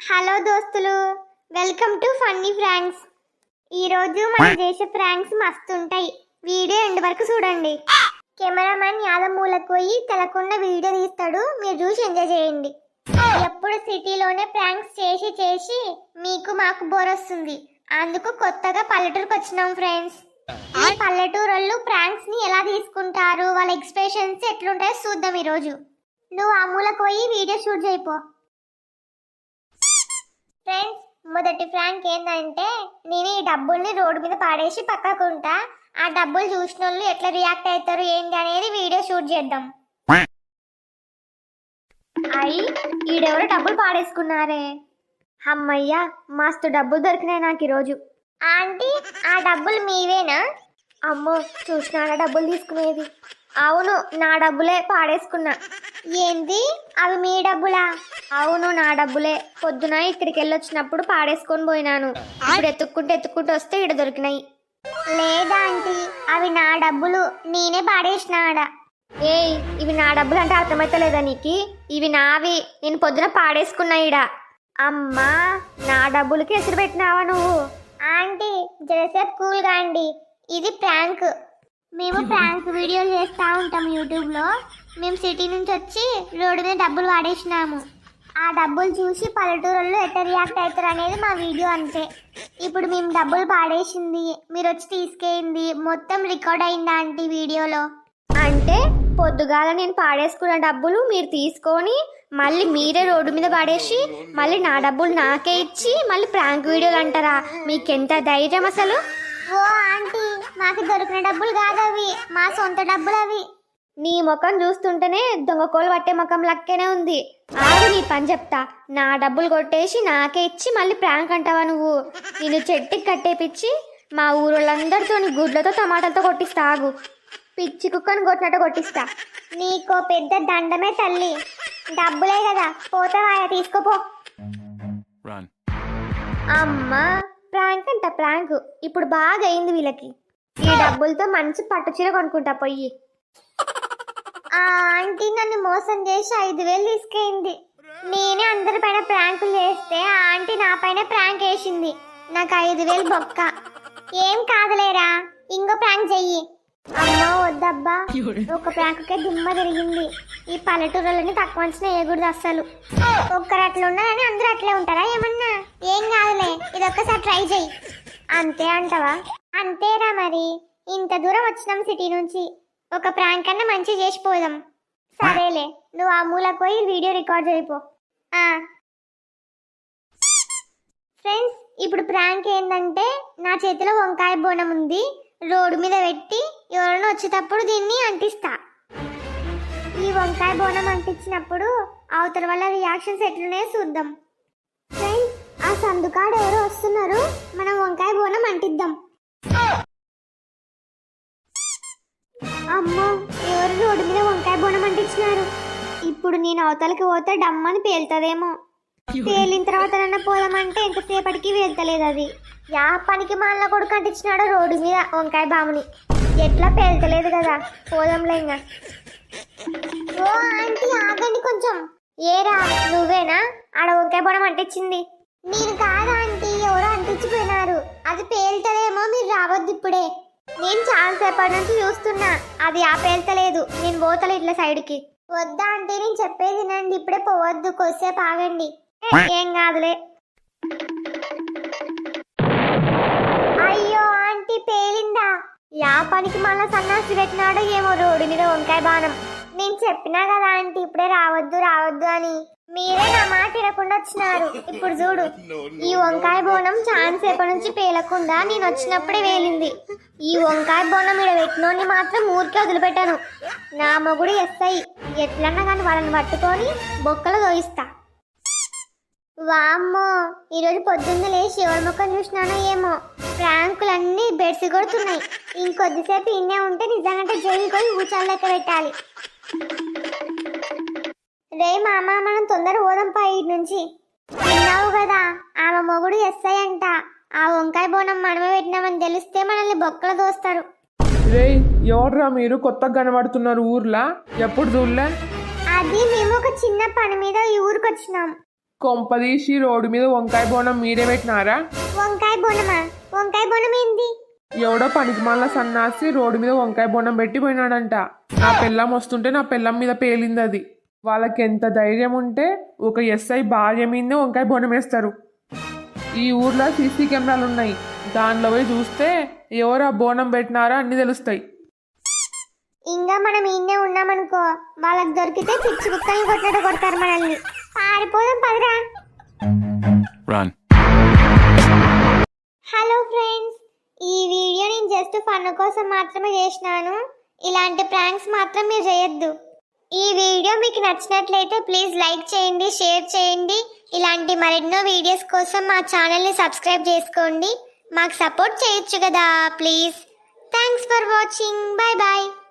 Hello దోస్తులు, welcome to funny Fronx. ఈరోజు మనం చేసే ఫ్రాంక్స్ మస్తు ఉంటాయి. వీడియో ఎండ్ వరకు చూడండి. కెమెరామ్యాన్ యాదమూలకు పోయి తెలకుండా వీడియో తీస్తాడు, మీరు చూసి ఎంజాయ్ చేయండి. ఎప్పుడు సిటీలోనే ప్రాంక్స్ చేసి చేసి మీకు మాకు బోర్ వస్తుంది. అందుకు కొత్తగా పల్లెటూరుకి వచ్చినాం ఫ్రెండ్స్. ఈ పల్లెటూరు వాళ్ళు ప్రాంక్స్ ని ఎలా తీసుకుంటారు, వాళ్ళ ఎక్స్ప్రెషన్స్ ఎట్లుంటాయో చూద్దాం ఈరోజు. నువ్వు ఆ మూలకు పోయి వీడియో షూట్ చేయిపో. ఫ్రెండ్స్, మొదటి ఫ్రాంక్ ఏంటంటే, నేను ఈ డబ్బుల్ని రోడ్డు మీద పాడేసి పక్కకుంటా. ఆ డబ్బులు చూసిన వాళ్ళు ఎట్లా రియాక్ట్ అవుతారు ఏంటి అనేది వీడియో షూట్ చేద్దాం. అయ్యి ఈడెవరో డబ్బులు పాడేసుకున్నారే. అమ్మయ్యా, మస్తు డబ్బులు దొరికినాయి నాకు ఈరోజు. ఆంటీ, ఆ డబ్బులు మీవేనా? అమ్మో, చూసినా డబ్బులు తీసుకునేది. అవును, నా డబ్బులే పాడేసుకున్నా. ఏంది, అవి మీ డబ్బులా? అవును, నా డబ్బులే. పొద్దున ఇక్కడికి వెళ్ళొచ్చినప్పుడు పాడేసుకొని పోయినాను. ఇప్పుడు ఎత్తుక్కుంటూ వస్తే ఇక్కడ దొరికినాయి. లేదా ఆంటీ, అవి నా డబ్బులు, నేనే పాడేసినాడా. ఏయ్, ఇవి నా డబ్బులు అంటే అర్థమైతలేదా నీకు? ఇవి నావి, నేను పొద్దున పాడేసుకున్నా ఈడ. అమ్మా, నా డబ్బులకి ఎసురు పెట్టినావా నువ్వు? ఆంటీ, జరసేపు కూల్గా అండి, ఇది ప్రాంక్. మేము ప్రాంక్ వీడియోలు చేస్తూ ఉంటాం యూట్యూబ్లో. మేము సిటీ నుంచి వచ్చి రోడ్డు మీద డబ్బులు వాడేసినాము. ఆ డబ్బులు చూసి పల్లెటూరులో ఎట్లా రియాక్ట్ అవుతారు అనేది మా వీడియో అంతే. ఇప్పుడు మేము డబ్బులు పాడేసింది, మీరు వచ్చి తీసుకెళ్ళింది మొత్తం రికార్డ్ అయిందా ఆంటీ వీడియోలో? అంటే పొద్దుగాల నేను పాడేసుకున్న డబ్బులు మీరు తీసుకొని మళ్ళీ మీరే రోడ్డు మీద పడేసి మళ్ళీ నా డబ్బులు నాకే ఇచ్చి మళ్ళీ ప్రాంక్ వీడియోలు అంటారా? మీకెంత ధైర్యం అసలు? ఓ ఆంటీ, మాకు దొరికిన డబ్బులు కాదు అవి, మా సొంత డబ్బులు అవి. నీ ముఖం చూస్తుంటేనే దొంగకోలు పట్టే ముఖం లెక్కనే ఉంది. ఆగు, నీ పని చెప్తా. నా డబ్బులు కొట్టేసి నాకే ఇచ్చి మళ్ళీ ప్రాంక్ అంటావా నువ్వు? నేను చెట్టుకి కట్టేపిచ్చి మా ఊరోళ్ళందరితో గుడ్లతో టమాటాలతో కొట్టిస్తా. ఆగు, పిచ్చి కుక్కను కొట్టినట్టు కొట్టిస్తా. నీకో పెద్ద దండమే తల్లి. డబ్బులే కదా, పోతావా? తీసుకోపో. అమ్మా, ప్రాంక్ అంట ప్రాంక్. ఇప్పుడు బాగా అయింది వీళ్ళకి. ఈ డబ్బులతో మంచి పట్టు చీర కొనుక్కుంటా పోయి. ఆ ఆంటీ నన్ను మోసం చేసి 5,000 తీసుకెళ్ళింది. నేనే అందరి పైన ప్రాంకులు చేస్తే ఆ ఆంటీ నా పైన ప్రాంక్ వేసింది. నాకు 5,000 బొక్క. ఏం కాదులేరా, ఇంకో ప్రాంక్ చెయ్యి. అమ్మో వద్దబ్బా, ఒక ప్రాంకుకే దిమ్మ తిరిగింది. ఈ పల్లెటూరులని తక్కువ అంచనా వేయకూడదు అస్సలు. ఒక్కరు అట్లా ఉన్నారని అందరూ అట్లే ఉంటారా ఏమన్నా? ఏం కాదులే, ఇది ఒక్కసారి ట్రై చెయ్యి. అంతే అంటావా? అంతేరా మరి, ఇంత దూరం వచ్చినాం సిటీ నుంచి, ఒక ప్రాంక్ అన్న మంచి చేసిపోదాం. సరేలే, నువ్వు ఆ మూలకు పోయి వీడియో రికార్డ్ చేయిపో. ఫ్రెండ్స్, ఇప్పుడు ప్రాంక్ ఏంటంటే, నా చేతిలో వంకాయ బోనం ఉంది. రోడ్డు మీద పెట్టి ఎవరైనా వచ్చేటప్పుడు దీన్ని అంటిస్తా. ఈ వంకాయ బోనం అంటించినప్పుడు అవతల వల్ల రియాక్షన్స్ ఎట్లున్నాయో చూద్దాం. ఫ్రెండ్స్, ఆ సందుకాడు ఎవరు వస్తున్నారు, మనం వంకాయ బోనం అంటిద్దాం. అమ్మో, ఎవరు రోడ్డు మీద వంకాయ బోనం అంటించినారు. ఇప్పుడు నేను అవతలకి పోతే డమ్మని పేలుతుందేమో. పేలిన తర్వాత పోదామంటే ఎంతసేపటికి వెళ్తలేదు అది. యా పనికి మాల కొడుకు అంటించినాడో రోడ్డు మీద వంకాయ బాముని. ఎట్లా పేల్తలేదు కదా, పోదాంలే ఇంకా. ఓ ఆంటీ, ఆగండి కొంచెం. ఏరా, నువ్వేనా ఆడ వంకాయ బోనం అంటించింది? నేను కాదా ఆంటీ, ఎవరో అంటించిపోయినారు. అది పేలుతదేమో, మీరు రావద్దు ఇప్పుడే. నేను చాలా సేపటి నుంచి చూస్తున్నా, అది ఆ పేల్తలేదు. నేను పోతలే ఇట్లా సైడ్కి. వద్దా ఆంటీ, నేను చెప్పేది వినండి, ఇప్పుడే పోవద్దు, కొద్దిసేపు ఆగండి. ఏం కాదులే. అయ్యో ఆంటీ, పేలిందా? యా పనికి మళ్ళా సన్నాసి పెట్టినాడో ఏమో రోడ్డు మీద వంకాయ బాణం. నేను చెప్పినా కదా ఆంటీ, ఇప్పుడే రావద్దు అని. మీరే నా మాట వినకుండా వచ్చినారు. ఇప్పుడు చూడు, ఈ వంకాయ బోనం చాలా సేపటి నుంచి పేలకుండా నేను వచ్చినప్పుడే వేలింది. ఈ వంకాయ బోనం ఇక్కడ పెట్టినోని మాత్రం ఊరికే వదిలిపెట్టాను. నా మొగుడు ఎస్ఐ, ఎట్లన్నా కానీ వాళ్ళని పట్టుకొని బొక్కలు దోయిస్తా. వామ్మో, ఈరోజు పొద్దున్న లేచి ఎవరి ముఖం చూసినానో ఏమో, ప్రాంకులన్నీ బెడ్సి కొడుతున్నాయి. ఇంకొద్దిసేపు ఇన్నే ఉంటే నిజంగా జైలు పోయి ఊచాలు లెక్క పెట్టాలి. రే మామ, మనం తొందర పోదాంపా ఇటు నుంచి. విన్నావు కదా, ఆమె మొగుడు ఎస్ఐ అంట. ఆ వంకాయ బోనం మనమే పెట్టినామని తెలిస్తే మనల్ని బొక్కలు దోస్తారు. రే, ఎవర్రా మీరు కొత్తగా కనబడుతున్నారు ఊర్లా? ఎప్పుడు చూడలే? అది మేము ఒక చిన్న పని మీద ఈ ఊరికి వచ్చినాం. కొంపదీసి రోడ్డు మీద వంకాయ బోనం మీరే పెట్టినారా? వంకాయ బోనమా? వంకాయ బోనం ఏంది? ఎవడో పనికిమాల సన్నాసి రోడ్డు మీద వంకాయ బోనం పెట్టి పోయినాడంట. నా పెళ్ళం వస్తుంటే నా పెళ్ళం మీద పేలింది అది. వాళ్ళకి ఎంత ధైర్యం ఉంటే ఒక ఎస్ఐ భార్య మీదనే వంకాయ బోనం వేస్తారు. ఈ ఊర్లో సీసీ కెమెరాలు ఉన్నాయి, దానిలో పోయి చూస్తే ఎవరు ఆ బోనం పెట్టినారా అన్ని తెలుస్తాయి. ఇంకా మనం ఈయనే ఉన్నామనుకో, వాళ్ళకి దొరికితే పిచ్చి కుక్కల్ని కొట్టినట్టు కొడతారు మనల్ని. పారిపోదాం పదరా. హలో ఫ్రెండ్స్, ఈ వీడియో నేను జస్ట్ ఫన్ కోసం మాత్రమే చేసినాను. ఇలాంటి ప్రాంక్స్ మాత్రం మీరు చేయొద్దు. ఈ వీడియో మీకు నచ్చినట్లయితే ప్లీజ్ లైక్ చేయండి, షేర్ చేయండి. ఇలాంటి మరెన్నో వీడియోస్ కోసం మా ఛానల్ని సబ్స్క్రైబ్ చేసుకోండి. మాకు సపోర్ట్ చేయొచ్చు కదా please. Thanks for watching. Bye bye.